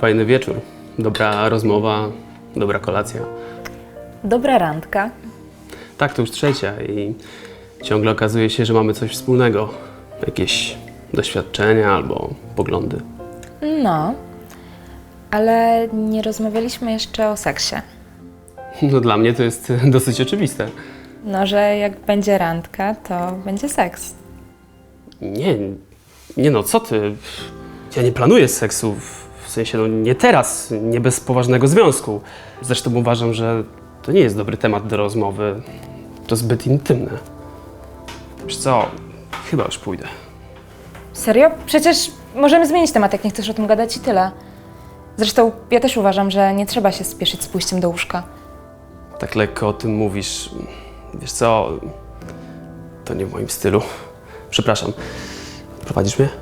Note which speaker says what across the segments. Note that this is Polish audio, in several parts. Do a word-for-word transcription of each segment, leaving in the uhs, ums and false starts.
Speaker 1: Fajny wieczór, dobra rozmowa, dobra kolacja.
Speaker 2: Dobra randka.
Speaker 1: Tak, to już trzecia i ciągle okazuje się, że mamy coś wspólnego. Jakieś doświadczenia albo poglądy.
Speaker 2: No, ale nie rozmawialiśmy jeszcze o seksie.
Speaker 1: No dla mnie to jest dosyć oczywiste.
Speaker 2: No, że jak będzie randka, to będzie seks.
Speaker 1: Nie, nie no, co ty? Ja nie planuję seksu, w sensie no nie teraz, nie bez poważnego związku. Zresztą uważam, że to nie jest dobry temat do rozmowy. To zbyt intymne. Wiesz co, chyba już pójdę.
Speaker 2: Serio? Przecież możemy zmienić temat, jak nie chcesz o tym gadać i tyle. Zresztą ja też uważam, że nie trzeba się spieszyć z pójściem do łóżka.
Speaker 1: Tak lekko o tym mówisz. Wiesz co, to nie w moim stylu. Przepraszam. Prowadzisz mnie?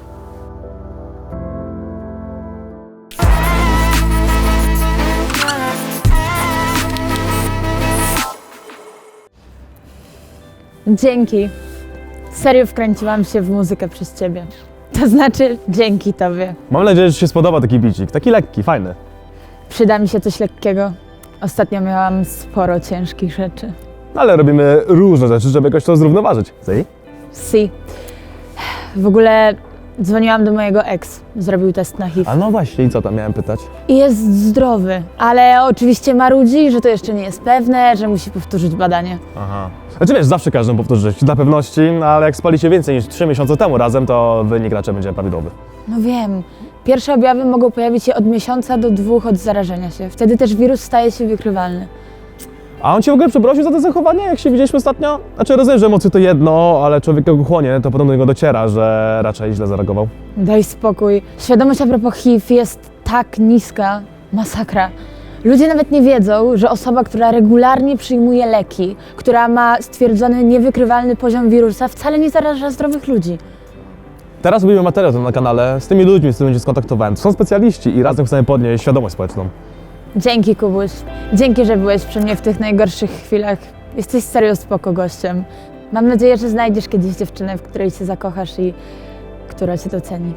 Speaker 3: Dzięki. Serio wkręciłam się w muzykę przez ciebie. To znaczy, dzięki tobie.
Speaker 4: Mam nadzieję, że ci się spodoba taki bicik. Taki lekki, fajny.
Speaker 3: Przyda mi się coś lekkiego. Ostatnio miałam sporo ciężkich rzeczy.
Speaker 4: Ale robimy różne rzeczy, żeby jakoś to zrównoważyć. Zej?
Speaker 3: Si. W ogóle dzwoniłam do mojego ex. Zrobił test na H I V.
Speaker 4: A no właśnie, i co tam miałem pytać?
Speaker 3: I jest zdrowy. Ale oczywiście marudzi, że to jeszcze nie jest pewne, że musi powtórzyć badanie.
Speaker 4: Aha. Znaczy wiesz, zawsze każdą powtórzyć, dla pewności, ale jak spalicie więcej niż trzy miesiące temu razem, to wynik raczej będzie prawidłowy.
Speaker 3: No wiem. Pierwsze objawy mogą pojawić się od miesiąca do dwóch od zarażenia się. Wtedy też wirus staje się wykrywalny.
Speaker 4: A on cię w ogóle przeprosił za to zachowanie, jak się widzieliśmy ostatnio? Znaczy rozumiem, że emocje to jedno, ale człowiek jak go chłonie, to potem do niego dociera, że raczej źle zareagował.
Speaker 3: Daj spokój. Świadomość a propos H I V jest tak niska. Masakra. Ludzie nawet nie wiedzą, że osoba, która regularnie przyjmuje leki, która ma stwierdzony niewykrywalny poziom wirusa, wcale nie zaraża zdrowych ludzi.
Speaker 4: Teraz robimy materiał ten na kanale z tymi ludźmi, z którymi się skontaktowałem. To są specjaliści i razem chcemy podnieść świadomość społeczną.
Speaker 3: Dzięki, Kubuś. Dzięki, że byłeś przy mnie w tych najgorszych chwilach. Jesteś serio spoko gościem. Mam nadzieję, że znajdziesz kiedyś dziewczynę, w której się zakochasz i która cię doceni.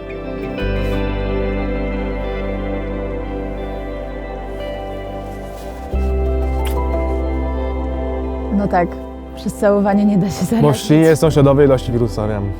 Speaker 3: No tak, przez całowanie nie da się zarazić.
Speaker 4: Bo w świnie są śladowe ilości wirusa, wiem.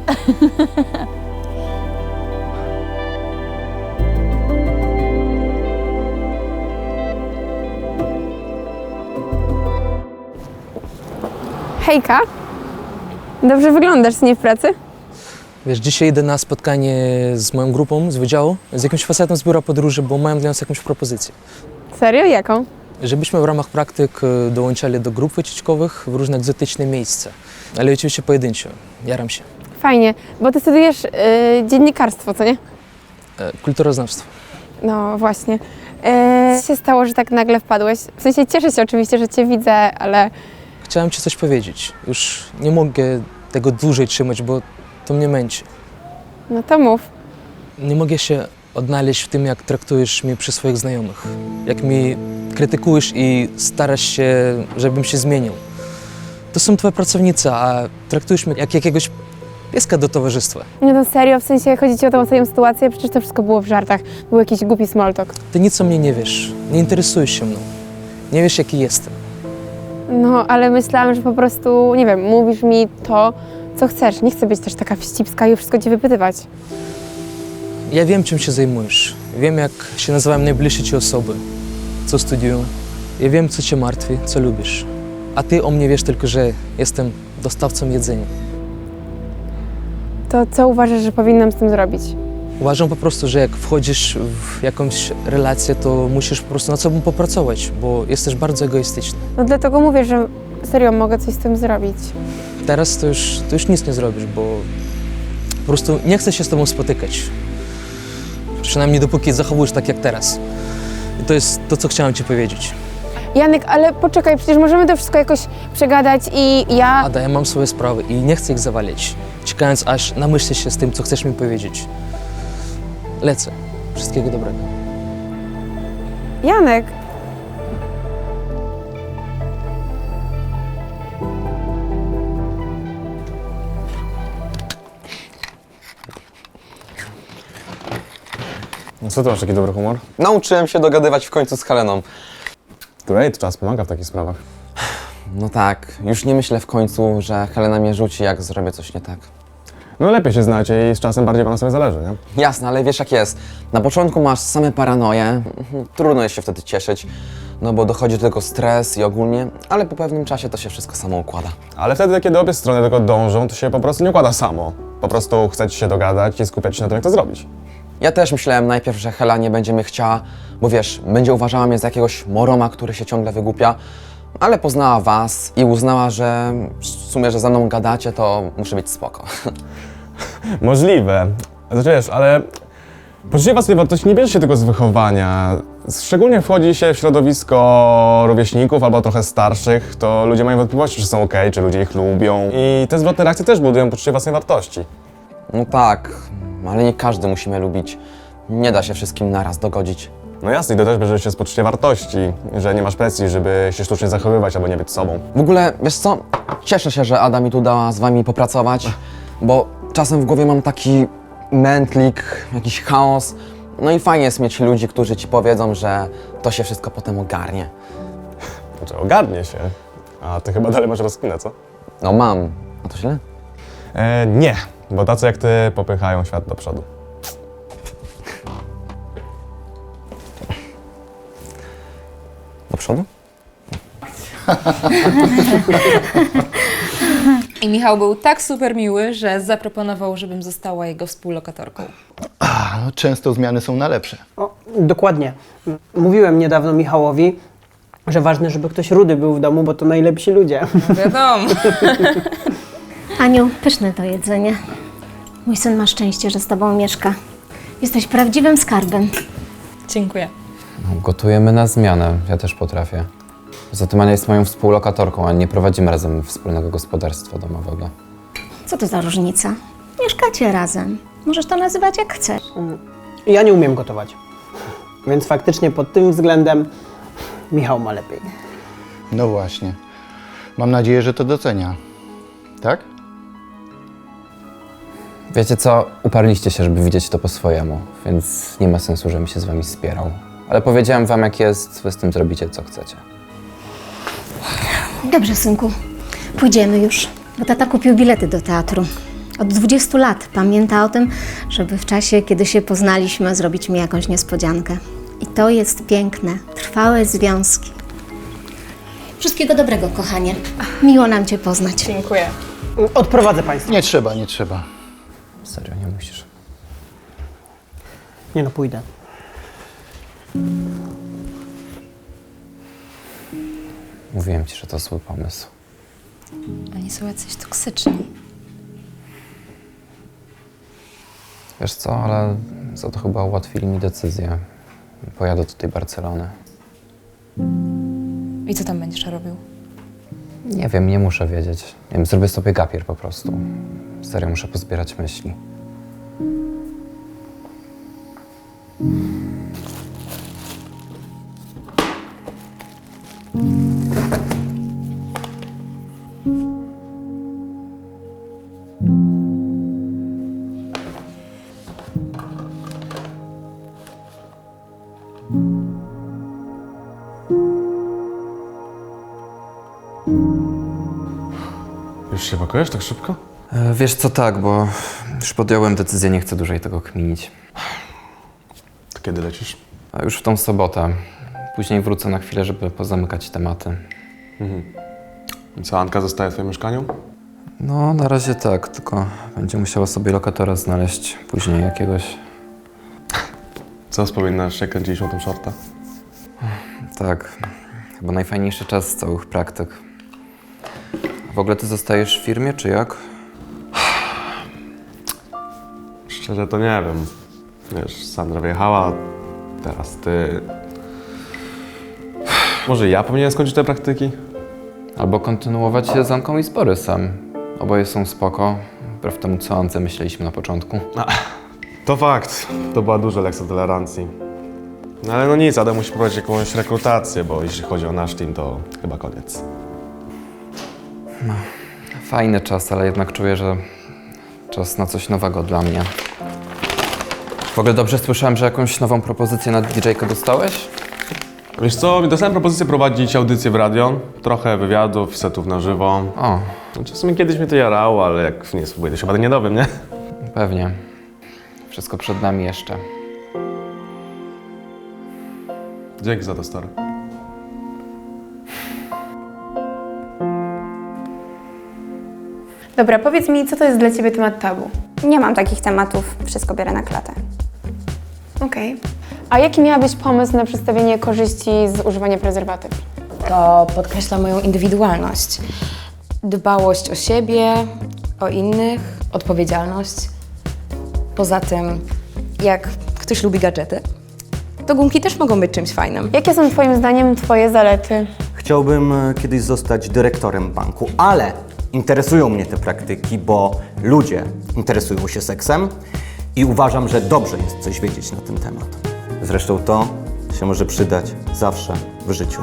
Speaker 5: Hejka, dobrze wyglądasz, nie w pracy?
Speaker 6: Wiesz, dzisiaj idę na spotkanie z moją grupą z wydziału, z jakimś facetem z biura podróży, bo mają dla nas jakąś propozycję.
Speaker 5: Serio? Jaką?
Speaker 6: Żebyśmy w ramach praktyk e, dołączali do grup wycieczkowych w różne egzotyczne miejsca. Ale oczywiście pojedynczo. Jaram się.
Speaker 5: Fajnie, bo ty studiujesz yy, dziennikarstwo, co nie?
Speaker 6: E, kulturoznawstwo.
Speaker 5: No właśnie. Yy, co się stało, że tak nagle wpadłeś? W sensie cieszę się oczywiście, że cię widzę, ale
Speaker 6: Chciałem ci coś powiedzieć. Już nie mogę tego dłużej trzymać, bo to mnie męczy.
Speaker 5: no to mów.
Speaker 6: Nie mogę się odnaleźć w tym, jak traktujesz mnie przy swoich znajomych. Jak mi krytykujesz i starasz się, żebym się zmienił. To są twoje pracownice, a traktujesz mnie jak jakiegoś pieska do towarzystwa.
Speaker 5: Nie no serio, w sensie chodzi ci o tą ostatnią sytuację, przecież to wszystko było w żartach. Był jakiś głupi small talk.
Speaker 6: Ty nic o mnie nie wiesz, nie interesujesz się mną. Nie wiesz, jaki jestem.
Speaker 5: No, ale myślałam, że po prostu, nie wiem, mówisz mi to, co chcesz. Nie chcę być też taka wścibska i wszystko ci wypytywać.
Speaker 6: Ja wiem, czym się zajmujesz. Wiem, jak się nazywają najbliższe ci osoby, co studiują. Ja wiem, co cię martwi, co lubisz. A ty o mnie wiesz tylko, że jestem dostawcą jedzenia.
Speaker 5: To co uważasz, że powinnam z tym zrobić?
Speaker 6: Uważam po prostu, że jak wchodzisz w jakąś relację, to musisz po prostu nad sobą popracować, bo jesteś bardzo egoistyczny.
Speaker 5: No dlatego mówię, że serio mogę coś z tym zrobić.
Speaker 6: Teraz to już, to już nic nie zrobisz, bo po prostu nie chcę się z tobą spotykać. Przynajmniej dopóki zachowujesz tak jak teraz. I to jest to, co chciałem ci powiedzieć.
Speaker 5: Janek, ale poczekaj, przecież możemy to wszystko jakoś przegadać i ja...
Speaker 6: Ada, ja mam swoje sprawy i nie chcę ich zawalić, czekając aż namyślisz się z tym, co chcesz mi powiedzieć. Lecę. Wszystkiego dobrego.
Speaker 5: Janek!
Speaker 4: No co ty masz taki dobry humor?
Speaker 7: Nauczyłem się dogadywać w końcu z Heleną.
Speaker 4: Great, czas pomaga w takich sprawach.
Speaker 7: No tak, już nie myślę w końcu, że Helena mnie rzuci, jak zrobię coś nie tak.
Speaker 4: No lepiej się znacie i z czasem bardziej wam na sobie zależy, nie?
Speaker 7: Jasne, ale wiesz jak jest. Na początku masz same paranoje, trudno jest się wtedy cieszyć, no bo dochodzi do tego stres i ogólnie, ale po pewnym czasie to się wszystko samo układa.
Speaker 4: Ale wtedy, kiedy obie strony do tego dążą, to się po prostu nie układa samo. Po prostu chcecie się dogadać i skupiać się na tym, jak to zrobić.
Speaker 7: Ja też myślałem najpierw, że Hela nie będzie mnie chciała, bo wiesz, będzie uważała mnie za jakiegoś moroma, który się ciągle wygłupia, ale poznała was i uznała, że w sumie, że ze mną gadacie, to muszę być spoko.
Speaker 4: Możliwe. Znaczy wiesz, ale poczucie własnej wartości nie bierze się tylko z wychowania. Szczególnie wchodzi się w środowisko rówieśników albo trochę starszych, to ludzie mają wątpliwości, czy są okej, czy ludzie ich lubią. I te zwrotne reakcje też budują poczucie własnej wartości.
Speaker 7: No tak, ale nie każdy musi mnie lubić. Nie da się wszystkim naraz dogodzić.
Speaker 4: No jasne, i to też bierze się z poczucia wartości, że nie masz presji, żeby się sztucznie zachowywać albo nie być sobą.
Speaker 7: W ogóle, wiesz co, cieszę się, że Ada mi tu dała z wami popracować, bo czasem w głowie mam taki mętlik, jakiś chaos. No i fajnie jest mieć ludzi, którzy ci powiedzą, że to się wszystko potem ogarnie.
Speaker 4: Znaczy ogarnie się. A ty chyba dalej masz rozkminę, co?
Speaker 7: No mam. A to źle?
Speaker 4: E, nie, bo tacy jak ty popychają świat do przodu.
Speaker 7: Do przodu?
Speaker 2: I Michał był tak super miły, że zaproponował, żebym została jego współlokatorką.
Speaker 8: A, no, często zmiany są na lepsze.
Speaker 9: O, dokładnie. M- Mówiłem niedawno Michałowi, że ważne, żeby ktoś rudy był w domu, bo to najlepsi ludzie.
Speaker 2: Wiadomo.
Speaker 10: Aniu, pyszne to jedzenie. Mój syn ma szczęście, że z tobą mieszka. Jesteś prawdziwym skarbem.
Speaker 2: Dziękuję.
Speaker 11: Gotujemy na zmianę, ja też potrafię. Poza tym Ania jest moją współlokatorką, a nie prowadzimy razem wspólnego gospodarstwa domowego.
Speaker 10: Co to za różnica? Mieszkacie razem. Możesz to nazywać jak chcesz.
Speaker 9: Ja nie umiem gotować. Więc faktycznie pod tym względem Michał ma lepiej.
Speaker 8: No właśnie. Mam nadzieję, że to docenia. Tak?
Speaker 11: Wiecie co, uparliście się, żeby widzieć to po swojemu, więc nie ma sensu, żebym się z wami spierał. Ale powiedziałem wam jak jest, wy z tym zrobicie co chcecie.
Speaker 10: Dobrze, synku. Pójdziemy już, bo tata kupił bilety do teatru. Od dwudziestu lat pamięta o tym, żeby w czasie, kiedy się poznaliśmy, zrobić mi jakąś niespodziankę. I to jest piękne, trwałe związki. Wszystkiego dobrego, kochanie. Miło nam cię poznać.
Speaker 2: Dziękuję.
Speaker 9: Odprowadzę państwa.
Speaker 8: Nie trzeba, nie trzeba.
Speaker 11: Serio, nie musisz.
Speaker 9: Nie no, pójdę.
Speaker 11: Mówiłem ci, że to zły pomysł.
Speaker 2: Oni są jacyś toksyczni.
Speaker 11: Wiesz co, ale za to chyba ułatwili mi decyzję. Pojadę do tej Barcelony.
Speaker 2: I co tam będziesz robił?
Speaker 11: Nie wiem, nie muszę wiedzieć. Nie wiem, zrobię sobie gapier po prostu. Serio, muszę pozbierać myśli.
Speaker 4: Już się pakujesz tak szybko?
Speaker 11: E, Wiesz co, tak, bo już podjąłem decyzję, nie chcę dłużej tego kminić.
Speaker 4: To kiedy lecisz?
Speaker 11: A już w tą sobotę. Później wrócę na chwilę, żeby pozamykać tematy.
Speaker 4: I co, Anka zostaje w twoim mieszkaniu?
Speaker 11: No, na razie tak, tylko będzie musiała sobie lokatora znaleźć później jakiegoś.
Speaker 4: Co wspominasz, jak kręciliśmy o tym shorta?
Speaker 11: Tak, chyba najfajniejszy czas z całych praktyk. A w ogóle ty zostajesz w firmie, czy jak?
Speaker 4: Szczerze to nie wiem. Wiesz, Sandra wyjechała, teraz ty. Może ja powinienem skończyć te praktyki?
Speaker 11: Albo kontynuować się z Anką i z Borysem. Oboje są spoko, wbrew temu, co o Ance myśleliśmy na początku.
Speaker 4: To fakt. To była duża lekcja tolerancji. No ale no nic, Adam musi prowadzić jakąś rekrutację, bo jeśli chodzi o nasz team, to chyba koniec.
Speaker 11: Fajny czas, ale jednak czuję, że czas na coś nowego dla mnie. W ogóle dobrze słyszałem, że jakąś nową propozycję na didżejkę dostałeś?
Speaker 4: Wiesz co, dostałem propozycję prowadzić audycję w radio, trochę wywiadów, setów na żywo.
Speaker 11: O,
Speaker 4: Znaczy, w sumie kiedyś mnie to jarało, ale jak nie spróbuję, to się będę nie dowiem, nie?
Speaker 11: pewnie. Wszystko przed nami jeszcze.
Speaker 4: Dzięki za to, stary.
Speaker 5: Dobra, powiedz mi, co to jest dla ciebie temat tabu?
Speaker 12: Nie mam takich tematów, wszystko biorę na klatę.
Speaker 5: Okej. A jaki miałabyś pomysł na przedstawienie korzyści z używania prezerwatyw?
Speaker 2: To podkreśla moją indywidualność. Dbałość o siebie, o innych, odpowiedzialność. Poza tym, jak ktoś lubi gadżety, to gumki też mogą być czymś fajnym.
Speaker 5: Jakie są twoim zdaniem twoje zalety?
Speaker 13: Chciałbym e, kiedyś zostać dyrektorem banku, ale interesują mnie te praktyki, bo ludzie interesują się seksem i uważam, że dobrze jest coś wiedzieć na ten temat. Zresztą to się może przydać zawsze w życiu.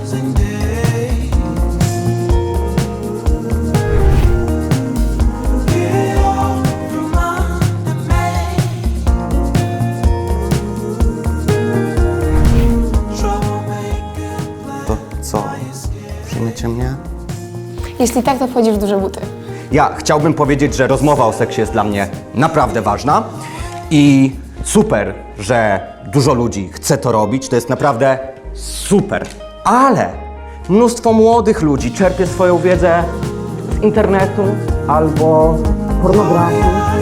Speaker 13: To co? Przyjmiecie mnie?
Speaker 5: Jeśli tak, to wchodzisz w duże buty.
Speaker 13: Ja chciałbym powiedzieć, że rozmowa o seksie jest dla mnie naprawdę ważna i super, że dużo ludzi chce to robić, to jest naprawdę super, ale mnóstwo młodych ludzi czerpie swoją wiedzę z internetu albo pornografii.